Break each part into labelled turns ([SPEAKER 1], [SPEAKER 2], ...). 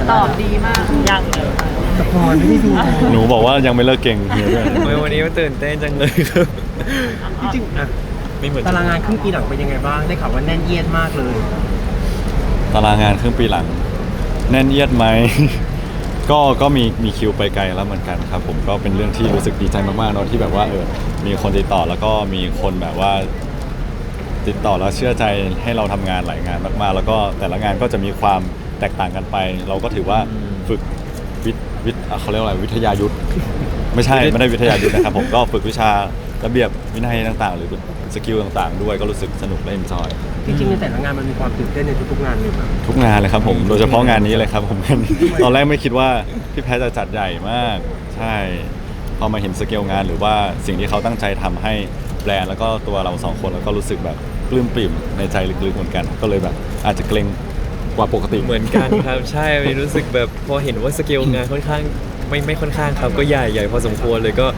[SPEAKER 1] ตอบดีมากยังเลย
[SPEAKER 2] สปอยไม่ได้ดู
[SPEAKER 3] หนูบอกว่ายังไม่เลิกเก่งเฮียด้วย
[SPEAKER 4] โอ้ยวันนี้มันตื่นเต้นจังเลยครับ
[SPEAKER 2] จริงๆอ่ะ
[SPEAKER 4] ไม่เหมือน
[SPEAKER 2] ตารางงานครึ่งปีหลังเป็นยังไงบ้างได้ข่าวว่าแน่นเอียดมากเลย
[SPEAKER 3] ตารางงานครึ่งปีหลัง แน่นเอียดไหม ก็มีคิวไปไกลแล้วเหมือนกันครับผมก็เป็นเรื่องที่รู้สึกดีใจมากๆเนอะที่แบบว่ามีคนติดต่อแล้วก็มีคนแบบว่า ติดต่อแล้วเชื่อใจให้เราทำงานหลายงานมากๆ แล้วก็แต่ละงานก็จะมีความแตกต่างกันไป เราก็ถือว่าฝึกเขาเรียกว่าอะไรวิทยายุทธไม่ใช่ไม่ได้วิทยายุทธนะครับผมก็ฝึกวิชาระเบียบวินัยต่างๆ หรือสกิลต่างๆ ด้วยก็รู้สึกสนุกและเอนจอย
[SPEAKER 2] จริงๆในแต่ละงานมันมีความตื่นเต้นในทุกๆงานเลยครับ
[SPEAKER 3] ทุกงานเลยครับผมโดยเฉพาะงานนี้เลยครับผม ตอนแรกไม่คิดว่าพี่แพทจะจัดใหญ่มากใช่พอมาเห็นสเกลงานหรือว่าสิ่งที่เขาตั้งใจทำให้แบรนด์แล้วก็ตัวเราสองคนแล้วก็รู้สึกแบบปลื้มปริ่มในใจลึกๆเหมือนกัน ก็เลยแบบอาจจะเกรงกว่าปกติ
[SPEAKER 4] เหมือนกันครับใช่วันนี้รู้สึกแบบพอเห็นว่าสเกลงานค่อนข้างไม่ค่อนข้างครับก็ใหญ่พอสมควรเลยก็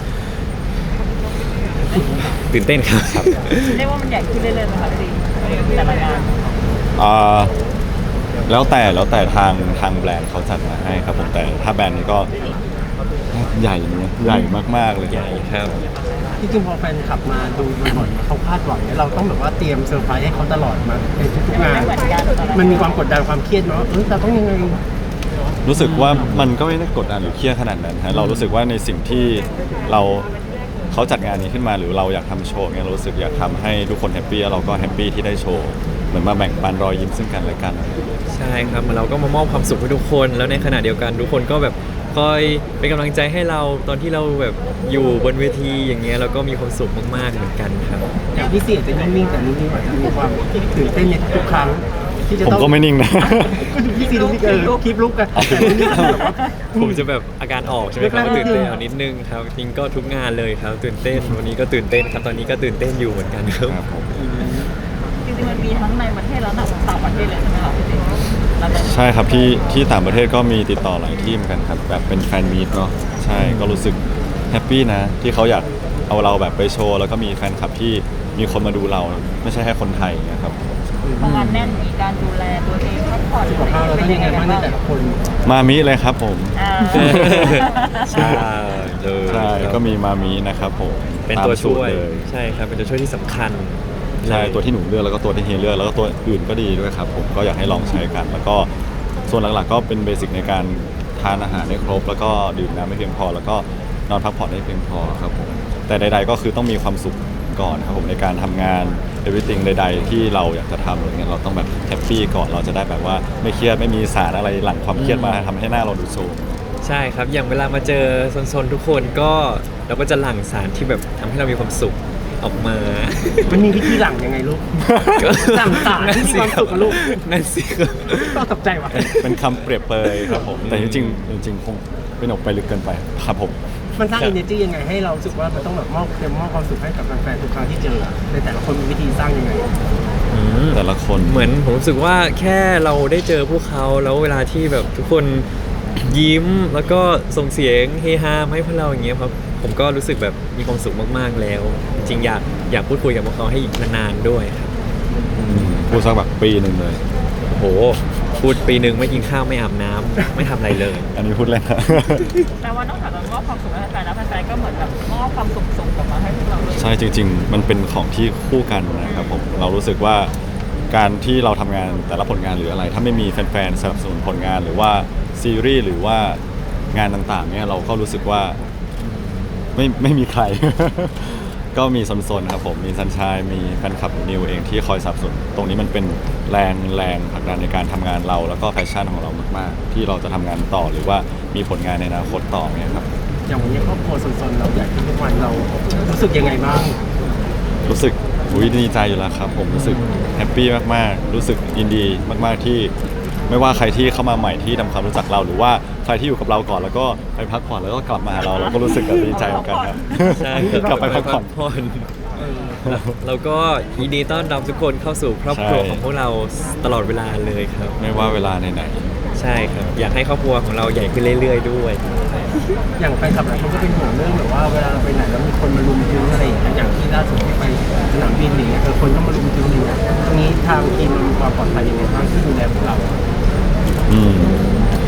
[SPEAKER 4] ตื่นเต้นครับ
[SPEAKER 1] เรียกว่ามันใหญ่ขึ้นเรื่อยๆไหมคะพี่แต่ละงาน
[SPEAKER 3] อ่าแล้วแต่ทางแบรนด์เขาจัดมาให้ครับผมแต่ถ้าแบรนด์นี้ก็ใหญ่เนี่ยใหญ่มากๆเลย
[SPEAKER 4] ใหญ่ครับ
[SPEAKER 2] จริงๆพอแฟนขับมาดูบ่อยๆเขาคาดหวังเนี่ยเราต้องแบบว่าเตรียมเซอร์ไพรส์ให้เขาตลอดมาในทุกๆงาน
[SPEAKER 1] ไม่เหมือนกันตอนนั้น
[SPEAKER 2] มันมีความกดดันความเครียดเนาะเราต้องยังไง
[SPEAKER 3] รู้สึกว่ามันก็ไม่ได้กดดันหรือเครียดขนาดนั้นฮะเรารู้สึกว่าในสิ่งที่เขาจัดงานนี้ขึ้นมาหรือเราอยากทำโชว์เนี่ยเรารู้สึกอยากทำให้ทุกคนแฮปปี้แล้วเราก็แฮปปี้ที่ได้โชว์เหมือนมาแบ่งปันรอยยิ้มซึ่งกันและกัน
[SPEAKER 4] ใช่ครับเราก็มามอบความสุขให้ทุกคนแล้วในขณะเดียวกันทุกคนก็แบบคอยเป็นกำลังใจให้เราตอนที่เราแบบอยู่บนเวทีอย่างเงี้ยเราก็มีความสุขมากๆเหมือนกันครับ
[SPEAKER 2] อย่างพี่เสียจะนิ่งๆแต่นิ่งๆอาจจะมีความตื่นเต้นในทุกๆครั้งที่จะ
[SPEAKER 3] ผม
[SPEAKER 2] ต้อง
[SPEAKER 3] ก็ไม่นิ่งนะ
[SPEAKER 2] ก็ดูพี่ซีดูพี่คลิปลุกกันแต่นิ่งๆแบบว่า
[SPEAKER 4] ผมจะแบบอาการออกใช่ไหมครับ
[SPEAKER 2] แรกๆ
[SPEAKER 4] ตื่นเต้นเอานิดนึงครับจริงก็ทุกงานเลยครับตื่นเต้นวันนี้ก็ตื่นเต้นครับตอนนี้ก็ตื่นเต้นอยู่เหมือนกันครับ
[SPEAKER 3] ครับผม
[SPEAKER 1] จริงๆมันมีทั้งในประเทศแล้วต่างประเทศเลยใช่ไหมคะพี่แล้วแต่
[SPEAKER 3] ใช่ครับที่ต่างประเทศก็มีติดต่อหลายที่เหมือนกันครับแบบเป็นแฟนมีตเนาะใช่ก็รู้สึกแฮปปี้นะที่เขาอยากเอาเราแบบไปโชว์แล้วก็มีแฟนคลับที่มีคนมาดูเราไม่ใช่แค่คนไทยอย่างเงี้ยครับ
[SPEAKER 1] พองานแน่นมีการดูแลตัวเองพักผ่อน
[SPEAKER 2] สุขภาพเราต้องยังไงบ้างในแต่ละคน
[SPEAKER 3] มามิเลยครับผม
[SPEAKER 1] อ่า
[SPEAKER 4] ใช่เลย
[SPEAKER 3] ใช่ก็มีมามินะครับผม
[SPEAKER 4] เป็นตัวช่วย
[SPEAKER 3] ตามสูตรเลย
[SPEAKER 4] ใช่ครับเป็นตัวช่วยที่สำคัญ
[SPEAKER 3] ใช่ตัวที่หนูเลือกแล้วก็ตัวที่เฮียเลือกแล้วก็ตัวอื่นก็ดีด้วยครับผมก็อยากให้ลองใช้กัน แล้วก็ส่วนหลักๆก็เป็นเบสิกในการทานอาหารให้ครบ แล้วก็ดื่มน้ำให้เพียงพอ แล้วก็นอนพักผ่อนให้เพียงพอครับผมแต่ใดๆก็คือต้องมีความสุขก่อนครับผมในการทำงาน everything ใดๆที่เราอยากจะทำอะไรเงี้ยเราต้องแบบแฮปปี้ก่อนเราจะได้แบบว่าไม่เครียดไม่มีสารอะไรหลั่งความเครียดมาทำให้หน้าเราดูโทรม
[SPEAKER 4] ใช่ครับอย่างเวลามาเจอโซนๆทุกคนก็เราก็จะหลั่งสารที่แบบทำให้เรามีความสุขออกมา
[SPEAKER 2] มันมีวิธีหลังยังไงลูก หลั่งสารที่มีความสุขกับลูก
[SPEAKER 4] นั่นสิครับ
[SPEAKER 2] ต้องตกใจว่ะ
[SPEAKER 3] เป็นคำเปรียบเปรยครับผมแต่จริงๆจริงๆคงเป็นออกไปลึกเกินไปครับผม
[SPEAKER 2] มันสร้าง energy ยังไงให้เรารู้สึกว่ามันต้องแบบมอบความสุขให้กับแฟนๆทุกครั้งที่เจอในแต่ละคนมีวิธีสร้างยังไง
[SPEAKER 3] แต่ละคน
[SPEAKER 4] เหมือนผมรู้สึกว่าแค่เราได้เจอพวกเขาแล้วเวลาที่แบบทุกคนยิ้มแล้วก็ส่งเสียงเฮฮามาให้พวกเราอย่างเงี้ยครับผมก็รู้สึกแบบมีความสุขมากๆแล้ว จริงๆอยากพูดคุยกับพวกเขาให้อีกนานๆด้วยครับ
[SPEAKER 3] พูดสักแบบปีหนึ่งเลย
[SPEAKER 4] โอ้โหพูดปีหนึ่งไม่กินข้าวไม่อาบน้ำไม่ทำอะไรเลย
[SPEAKER 3] อันนี้พูดเล่นนะ
[SPEAKER 1] แต่ว่านอกจากจะมอบความสุขให้แฟนๆแล้วแฟนๆก็เหมือนแบบมอบความสุขส่งกลับมาให้พวกเราด้วย
[SPEAKER 3] ใช่จริง ๆ มันเป็นของที่คู่กันนะครับผมเรารู้สึกว่าการที่เราทำงานแต่ละผลงานหรืออะไร ถ้าไม่มีแฟนๆสนับสนุนผลงานหรือว่าซีรีส์หรือว่างานต่างๆเนี่ยเราก็รู้สึกว่าไม่มีใคร ก็มีโซนๆครับผมมีซันชายมีแฟนคลับนิวเองที่คอยสนับสนุนตรงนี้มันเป็นแรงผลักดันในการทำงานเราแล้วก็แพชชั่นของเรามากๆ ที่เราจะทำงานต่อหรือว่ามีผลงานในอนาคตต่อเนี่ยครับ
[SPEAKER 2] อย่างวันนี้ครอบครัวสนๆเราใหญ่ขึ้นทุกวันเรารู้สึกยังไงบ้าง
[SPEAKER 3] รู้สึกดีใจอยู่แล้วครับผมรู้สึกแฮปปี้มากๆรู้สึกยินดีมากๆที่ไม่ว่าใครที่เข้ามาใหม่ที่ทำความรู้จักเราหรือว่าใครที่อยู่กับเราก่อนแล้วก็ไปพักผ่อนแล้วก็กลับมาหาเราเราก็รู้สึกแบบดีใจเหมือนกันครับ
[SPEAKER 4] ใช่
[SPEAKER 3] กลับไปพักผ่อน
[SPEAKER 4] แล้วก็ยินดีต้อนรับทุกคนเข้าสู่ครอบครัว
[SPEAKER 3] ใช่
[SPEAKER 4] ของพวกเราตลอดเวลาเลยครับ
[SPEAKER 3] ไม่ว่าเวลาไหน
[SPEAKER 4] ใช่ครับ อยากให้ครอบครัวของเราใหญ่ขึ้นเรื่อยๆด้วย
[SPEAKER 2] อย่างแฟนคลับหลายคนก็เป็นห่วงเรื่องแบบว่าเวลาเราไปไหนแล้วมีคนมารุมถึงอะไรอย่างเงี้ยอย่างที่ล่าสุดที่ไปสนามบินอย่างเงี้ยคนก็มารุมถึงอย่างเงี้ยตรงนี้ทางทีมเรามีความปลอดภัยยังไงบ้างที่ดูแลพวกเรา
[SPEAKER 3] ๆ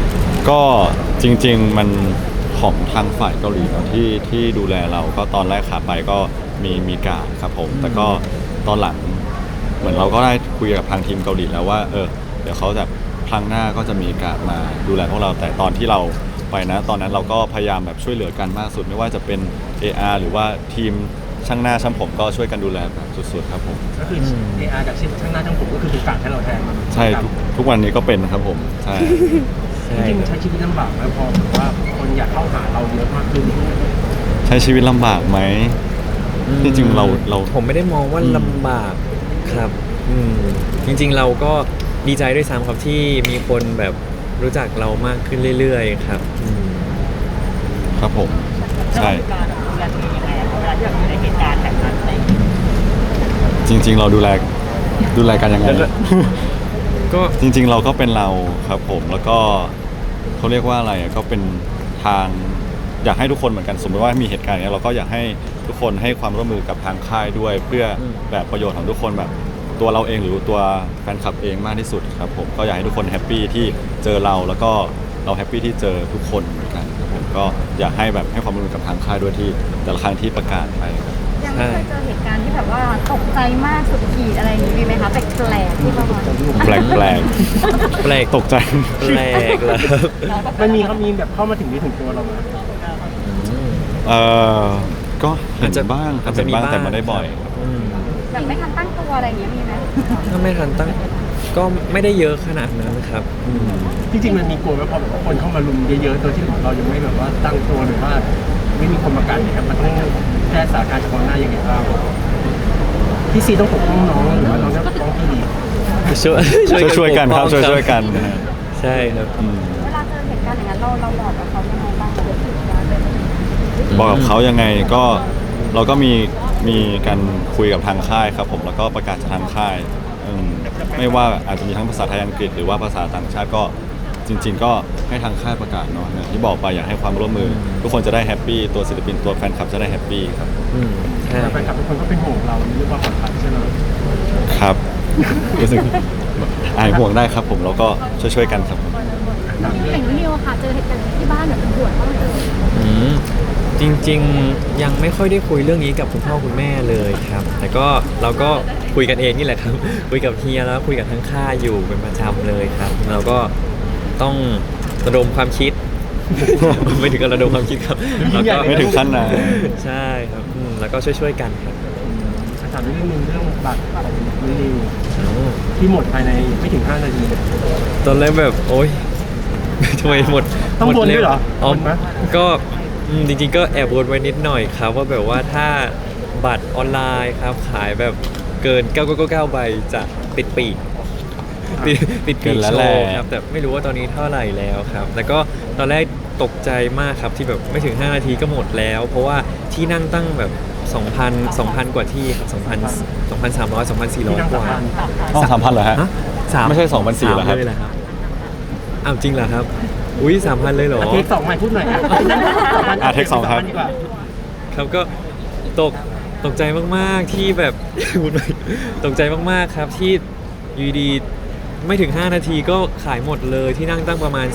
[SPEAKER 3] ก็จริงๆมันของทางฝ่ายเกาหลีเนอะที่ดูแลเราก็ตอนแรกขาไปก็มีการดครับผมแต่ก็ตอนหลังเหมือนเราก็ได้คุยกับทางทีมเกาหลีแล้วว่าเดี๋ยวเขาจะครั้งหน้าก็จะมีการดมาดูแลพวกเราแต่ตอนที่เราไปนะตอนนั้นเราก็พยายามแบบช่วยเหลือกันมากสุดไม่ว่าจะเป็น AR หรือว่าทีมช่างหน้าช่างผมก็ช่วยกันดูแลแบบสุดๆครับผม
[SPEAKER 2] ก็คือ AR จากช่างหน้าช่างผมก็คือเป็นการให้เราแทน
[SPEAKER 3] ใช่ทุกวันนี้ก็เป็นครับผมใช่
[SPEAKER 2] จริงๆใช้ชีวิตลำบากไหมพอแบบว่าคนอยากเข้าหาเราเยอะมากขึ้น
[SPEAKER 3] ใช้ชีวิตลำบากไหมจริงๆเรา
[SPEAKER 4] ผมไม่ได้มองว่าลำบากครับจริงๆเราก็ดีใจด้วยซ้ำครับที่มีคนแบบรู้จักเรามากขึ้นเรื่อยๆครับ
[SPEAKER 3] ครับผม
[SPEAKER 1] แล้ว
[SPEAKER 3] ใช่
[SPEAKER 1] การดูแลตัวเองยังไงอะเวลาที่เราอยู่ในเหตุการณ์แบบนั้นอะไรอย่างเงี้ย
[SPEAKER 3] จริง ๆ เราดูแลกันยังไง
[SPEAKER 4] ก็
[SPEAKER 3] จริง ๆ เราก็เป็นเราครับผมแล้วก็เขาเรียกว่าอะไรก็เป็นทางอยากให้ทุกคนเหมือนกันสมมติว่ามีเหตุการณ์อย่างนี้ยเราก็อยากให้ทุกคนให้ความร่วมมือกับทางค่ายด้วย เพื่อแบบประโยชน์ของทุกคนแบบตัวเราเองหรือตัวแฟนคลับเองมากที่สุดครับผมก็อยากให้ทุกคนแฮปปี้ที่เจอเราแล้วก็เราแฮปปี้ที่เจอทุกคนเหมือนกันครับผมก็อยากให้แบบให้ความร่วมมือกับทางค่ายด้วยที่แต่ละครั้งที่ประกาศไปครับ
[SPEAKER 5] ยังไม่เคยเจอเหตุการณ์ที่แบบว่าตกใจมากสุดขีดอะไรอย่างนี้มีไหมคะแปลกๆที่ประมาณ
[SPEAKER 3] แปลก
[SPEAKER 4] แปลก
[SPEAKER 3] ตกใจ
[SPEAKER 4] แปลกแล้วครับ
[SPEAKER 2] มันมีเขามีแบบเข้ามาถึงนี่ถึงตัวเราไหม
[SPEAKER 3] เออก็เห็นบ้าง
[SPEAKER 4] อาจจะมีบ้าง
[SPEAKER 3] แต่ไม่ได้บ่อย
[SPEAKER 5] อย่างไม่ทันตั้งตัวอะไรอย่างเงี้ยมีไหม
[SPEAKER 4] ถ้าไม่ทันตั้งก็ไม่ได้เยอะขนาดนั้นครับ
[SPEAKER 2] จริงๆมันมีกลัวไหมพอแบบว่าคนเข้ามาลุมเยอะๆโดยที่เรายังไม่แบบว่าตั้งตัวหรือว่าไม่มีคนประกันเนี่ยครับมันต้องแก้สถานการณ์เฉพาะหน้ายังไงบ้างพี่ซีต้องปกป้องน้องหรือว่าน้องต้องปกป้องพี่ดี
[SPEAKER 3] ช่วยกันครับ
[SPEAKER 4] ปป้อง
[SPEAKER 3] ช่วยกันนะฮะ
[SPEAKER 4] ใช่ครับ
[SPEAKER 5] เวลาเจอเหตุการณ์อย่างนั้นเราบอกกับเขายังไงบ้างคะ
[SPEAKER 3] บอกกับเขายังไงก็เราก็มีการคุยกับทางค่ายครับผมแล้วก็ประกาศจากทางค่ายไม่ว่าอาจจะมีทั้งภาษาไทยอังกฤษหรือว่าภาษาต่างชาติก็จริง ๆ ก็ให้ทางค่ายประกาศเนาะอย่างที่บอกไปอยากให้ความร่วมมือ ทุกคนจะได้แฮปปี้ตัวศิลปินตัวแฟนคลับจะได้แฮปปี้ครับ
[SPEAKER 4] ใช่
[SPEAKER 2] แต่แฟนคลับทุกคนก็เป็นห่วงเราเรื่องความปลอดภัยใช่ไหม
[SPEAKER 3] ครับ รู้สึกอายห่วงได้ครับผมแล้วก็ช่วยๆกันครับ
[SPEAKER 5] อย่างนิวค่ะเจอเหตุการณ์ที่บ้านแบบเป็นห่วงมากเลย
[SPEAKER 4] จริงๆยังไม่ค่อยได้คุยเรื่องนี้กับคุณพ่อคุณแม่เลยครับ แต่ก็เราก็คุยกันเองนี่แหละครับ คุยกับเฮียแล้วคุยกับทั้งค่ายอยู่เป็นประจำเลยครับเราก็ต้องระดมความคิด ไม่ถึงกับระดมความคิดครับแล้วก็
[SPEAKER 3] ไม่ถึงขั้นนั้น
[SPEAKER 4] ใช่ครับแล้วก็ช่วยๆกันครับ
[SPEAKER 2] ถามเรื่องนึงเรื่องบัตรของนิวที่หมดภายในไม่ถึง5 นาทีเลย
[SPEAKER 4] ตอนแรกแบบโอ๊ย ทำไมหมด
[SPEAKER 2] ต้อง
[SPEAKER 4] หม
[SPEAKER 2] วนด้วยเหรอ
[SPEAKER 4] อ๋อ
[SPEAKER 2] วนไหม
[SPEAKER 4] ก็จริงๆก็แอบวนไว้นิดหน่อยครับว่าแบบว่าถ้าบัตรออนไลน์ครับขายแบบเกิน 999 ใบจะติดปีกติด
[SPEAKER 3] เกิ
[SPEAKER 4] ปีก
[SPEAKER 3] นแล้ว
[SPEAKER 4] โช
[SPEAKER 3] แหละ
[SPEAKER 4] ว์ครับแต่ไม่รู้ว่าตอนนี้เท่าไหร่แล้วครับแล้วก็ตอนแรกตกใจมากครับที่แบบไม่ถึง 5 นาทีก็หมดแล้ว เพราะว่าที่นั่งตั้งแบบ 2,000 กว่าที่ครับ2,300 2,400 กว่า
[SPEAKER 3] ต้อง3,000เหรอฮะ
[SPEAKER 4] ฮะสาม
[SPEAKER 3] ไม่ใช่2,400เหรอครับ
[SPEAKER 4] เลยเหรอครับอ้าวจริงเหรอครับอุ้ย3,000เลยเหรอ
[SPEAKER 2] เทค2ใหม่พูดหน่อย
[SPEAKER 3] เทค2ครับ
[SPEAKER 2] ดีกว่า
[SPEAKER 4] ครับก็ตกใจมากๆที่แบบ พูดไปตกใจมากๆครับที่อยูดีๆไม่ถึง 5 นาทีก็ขายหมดเลยที่นั่งตั้งประมาณ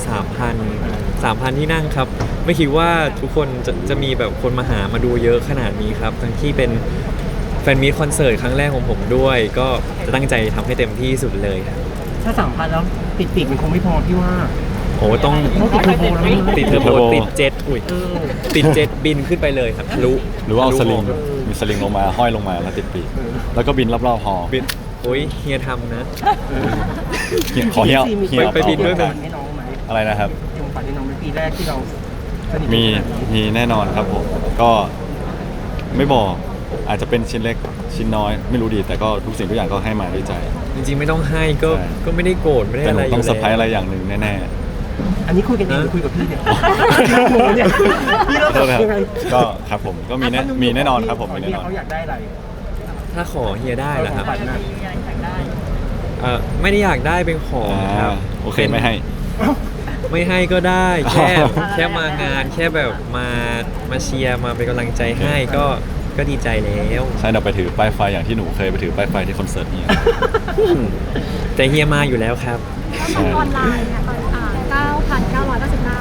[SPEAKER 4] 3,000 ที่นั่งครับ ไม่คิดว่าทุกคนจะมีแบบคนมาหามาดูเยอะขนาดนี้ครับทั้งที่เป็นแฟนมีตคอนเสิร์ตครั้งแรกของผมด้วย ก็จะตั้งใจทำให้เต็มที่สุดเลยครับ
[SPEAKER 2] ถ้า3,000แล้วติดปีกมันคงไม่พอพี่ว่า
[SPEAKER 4] โอ้ต้อง
[SPEAKER 2] ต้องติดเทอร์โบแล้ว
[SPEAKER 4] ติดเทอร์โบ
[SPEAKER 3] เทอร์โบ
[SPEAKER 4] ติดเจ็ตอุ้ยติดเจ็ตบินขึ้นไปเลยครับทะลุ
[SPEAKER 3] หรือว่าเอาสลิง
[SPEAKER 4] ทะลุ
[SPEAKER 3] มีสลิงลงมาห้อยลงมาแล้วติดปีกแล้วก็บินรอบๆหอ
[SPEAKER 4] บินโอ้ยเฮียทำนะ
[SPEAKER 3] ขอเฮีย
[SPEAKER 2] มี
[SPEAKER 3] เฮีย
[SPEAKER 4] ไปบินด้วยไหม
[SPEAKER 2] ให้น้องไหม
[SPEAKER 3] อะไรนะครับ
[SPEAKER 2] มีของขวัญให้น้องเป็นปีแรกที่เราสนิท
[SPEAKER 3] มี
[SPEAKER 2] กัน
[SPEAKER 3] มีแน่นอนครับผมก็ไม่บอกอาจจะเป็นชิ้นเล็กชิ้นน้อยไม่รู้ดี แต่ก็ทุกสิ่งทุกอย่างก็ให้มาด้วยใจ
[SPEAKER 4] จริงๆไม่ต้องให้ก็
[SPEAKER 3] ใช่
[SPEAKER 4] ก็ไม่ได้โกรธไม่ได้
[SPEAKER 3] แต่
[SPEAKER 4] อะ
[SPEAKER 3] หนู
[SPEAKER 4] ไร
[SPEAKER 3] ต้อง
[SPEAKER 4] ยู่
[SPEAKER 3] เซอร์ไพรส์อะไร
[SPEAKER 4] แล้ว
[SPEAKER 3] อย่างหนึ่งแน่
[SPEAKER 2] อันนี้คุยกันเองหรือคุยกับพี่เนี่ยเนี่ยพี่
[SPEAKER 3] ๆ
[SPEAKER 2] เรา
[SPEAKER 3] โทษนะครับ
[SPEAKER 2] ยังไง
[SPEAKER 3] ก็ครับผมก็มีแน่นอนครับผมมีแน่นอน
[SPEAKER 2] เขาอยากได้อะไร
[SPEAKER 4] ถ้าขอเฮียได้เหรอครับ
[SPEAKER 2] ขอขวัญน่ะ
[SPEAKER 1] มีอะไรอยากได้
[SPEAKER 4] ไม่ได้อยากได้เป็นของครับ
[SPEAKER 3] โอเคไม่ให้
[SPEAKER 4] ไม่ให้ก็ได้แค่มางานแค่แบบมาเชียร์มาเป็นกำลังใจให้ก็ดีใจแล้ว
[SPEAKER 3] ใช่เราไปถือป้ายไฟอย่างที่หนูเคยไปถือป้ายไฟที่คอนเสิร์ตเนี่ย
[SPEAKER 4] แต่เฮียมาอยู่แล้วครับ
[SPEAKER 5] แล้วทางออนไลน์ค่ะตอน9,999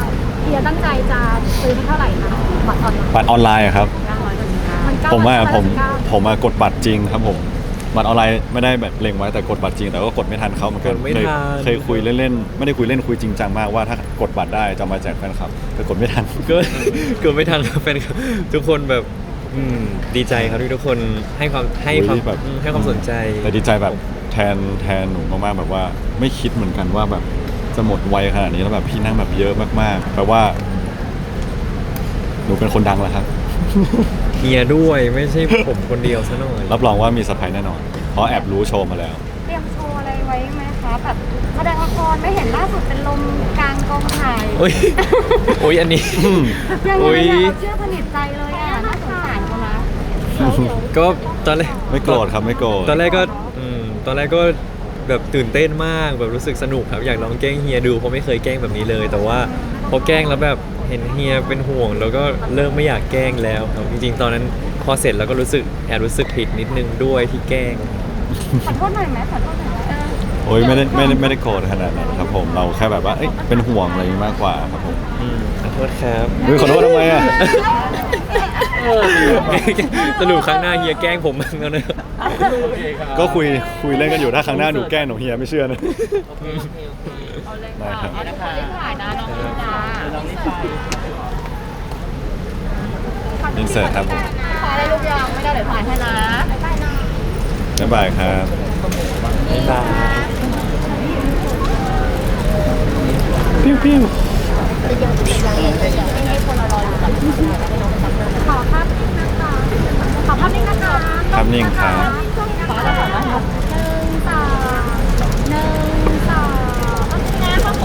[SPEAKER 5] ฮียตั้งใจจะซื้อที่เท่าไหร่คะบัตรออนไลน์
[SPEAKER 3] บัตรออนไลน์อะครับ
[SPEAKER 5] มัน
[SPEAKER 3] ผมอะผม
[SPEAKER 5] 999
[SPEAKER 3] กดบัตรจริงครับผมบัตรออนไลน์ไม่ได้แบบเล็งไว้แต่กดบัตรจริงแต่ก็กดไม่ทันเขาเหมือนกัน
[SPEAKER 4] กดไม่ทัน
[SPEAKER 3] เคยคุยเล่นๆไม่ได้คุยเล่นคุยจริงจังมากว่าถ้ากดบัตรได้จะเอามาแจกแฟนคลับแต่กดไม่ทัน
[SPEAKER 4] ก็เกิดไม่ทันครับแฟนคลับทุกคนแบบดีใจครับที่ทุกคนให้ความ
[SPEAKER 3] แบบ
[SPEAKER 4] ให้ความสนใจ
[SPEAKER 3] แต่ดีใจแบบแทนหนูมากๆแบบว่าไม่คิดเหมือนกันว่าแบบจะหมดไวขนาดนี้แล้วแบบพี่นั่งแบบเยอะมากๆแปลว่า หนูเป็นคนดังแล้วครับ
[SPEAKER 4] เฮียด้วยไม่ใช่ผมคนเดียวซะหน่อย
[SPEAKER 3] รับรองว่ามีเซอร์ไพรส์แน่นอน เพราะแอบรู้โชว์มาแล้ว
[SPEAKER 5] เตรียมโชว์อะไรไว้ไหมคะแบบแสดงละครไม่เห็นล่าสุดเป็นลมกลางกองถ่าย
[SPEAKER 4] โอ้ยโอ้ยอันนี้
[SPEAKER 5] ยัง
[SPEAKER 4] โอ้
[SPEAKER 5] ไง
[SPEAKER 4] ย
[SPEAKER 5] อะเราเชื่อสนิทใจเลยอ่ะน่าสงสารเขานะ
[SPEAKER 4] ก็ตอนแรก
[SPEAKER 3] ไม่โกรธครับไม่โกรธ
[SPEAKER 4] ตอนแรกก็แบบตื่นเต้นมากแบบรู้สึกสนุกครับอยากลองแกล้งเฮียดูเพราะไม่เคยแกล้งแบบนี้เลย แต่ว่าพอแกล้งแล้วแบบเห็นเฮียเป็นห่วง แล้วก็เริ่มไม่อยากแกล้งแล้วครับจริงๆตอนนั้นพอเสร็จแล้วก็รู้สึกผิดนิดนึงด้วยที่แกล้ง
[SPEAKER 5] ขอโทษหน่อยไหมขอโทษหน่อยไหม
[SPEAKER 3] โอ้ยไม่ได้โกรธขนาดนั้นครับผมเราแค่แบบว่าเอ้ยเป็นห่วงอะไรอย่างนี้มากกว่าครับผม
[SPEAKER 4] ขอโทษครับ
[SPEAKER 3] เฮ้ยขอโทษทำไมอ่ะ
[SPEAKER 4] สรุปครั้งหน้าเฮียแกล้งผมบ้างแล้วนะ
[SPEAKER 2] โอเคครับ
[SPEAKER 3] ก็คุยเล่นกันอยู่ถ้าครั้งหน้าหนูแกล้งหนูเฮียไม่เชื่อนะ
[SPEAKER 1] เอาเลย
[SPEAKER 3] ได้
[SPEAKER 1] ค่ะ
[SPEAKER 3] ครับ
[SPEAKER 1] เอาเลยค่ะรีบถ่ายนะน้องนิดา
[SPEAKER 2] น้องนี่ไป
[SPEAKER 3] อินเสิร์ตครับผม
[SPEAKER 1] ถ่ายอะไรลูกยังไม่ได้เดี๋ยวถ่ายให้นะ
[SPEAKER 3] บ๊ายบายครับ
[SPEAKER 4] บ๊ายบาย
[SPEAKER 3] ปิ้วปิ้ว
[SPEAKER 5] ขอภาพนิ่งนะคะขอภาพนิ่งนะคะ
[SPEAKER 3] ครับนิ่งครับ
[SPEAKER 1] ขอแล้วค่ะนะ
[SPEAKER 5] หนึ่งสองนะครับผม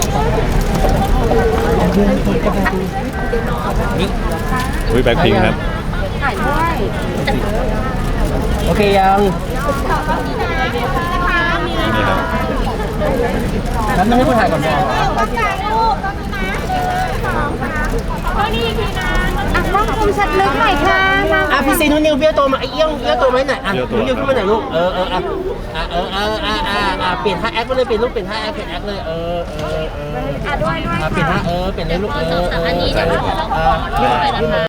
[SPEAKER 3] อุ้ยแบ็คพิงครับ
[SPEAKER 5] ถ่ายด้วย
[SPEAKER 2] โอเคยัง
[SPEAKER 3] นี่ครับ
[SPEAKER 2] แล้วไม่ให้คนถ่ายก่อนบอก
[SPEAKER 5] ต้องถ่ายรูปต้องนะนี่ทีนะต้องคมชัดลึกหน่อยค่ะ
[SPEAKER 2] พี่ซีนุ่นนิวเบี้ยวตัวมาไอ้เอี้ยวตัวไหมหน่อยนุ่นนิวขึ้นมาหน่อยลูกเปลี่ยนท่าแอคไปเลยเปลี่ยนรูปเปลี่ยนท่าแอคเปลี่ยนแอคเลย
[SPEAKER 5] ด้วยด้วย
[SPEAKER 2] เปลี่ยนท่าเปลี่ยนเลยลูก
[SPEAKER 5] อันนี้เดี๋ยวเราขอ